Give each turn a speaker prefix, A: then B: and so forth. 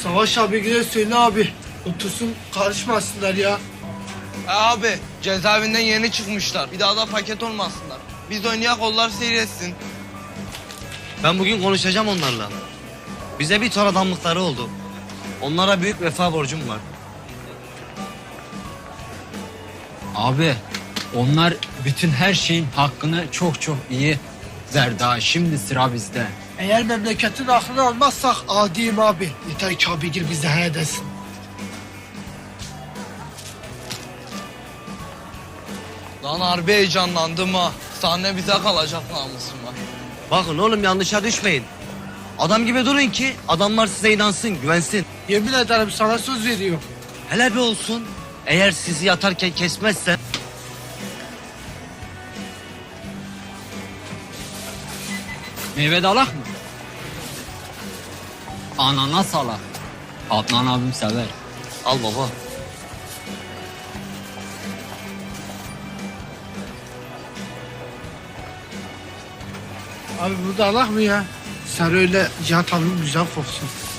A: Savaş abigile söyle abi. Otursun karışmasınlar ya.
B: Abi cezaevinden yeni çıkmışlar. Bir daha da paket olmasınlar. Biz oynayak onlar seyretsin.
C: Ben bugün konuşacağım onlarla. Bize bir ton adamlıkları oldu. Onlara büyük vefa borcum var.
D: Abi onlar bütün her şeyin hakkını çok çok iyi verdi ha. Şimdi sıra bizde.
A: Eğer memleketin aklını almazsak adiyim abi. Yeter ki abigil bize he desin.
B: Lan harbi heyecanlandım ha. Sahne bize kalacak namusum var.
C: Bakın oğlum yanlışa düşmeyin. Adam gibi durun ki adamlar size inansın, güvensin.
A: Yemin ederim sana söz veriyorum.
C: Hele bir olsun. Eğer sizi yatarken kesmezse...
D: Meyve de alak mı? Ananas alak. Adnan abim sever.
C: Al baba.
A: Abi burada Allah mı ya? Sen öyle Cihat abim güzel koksun.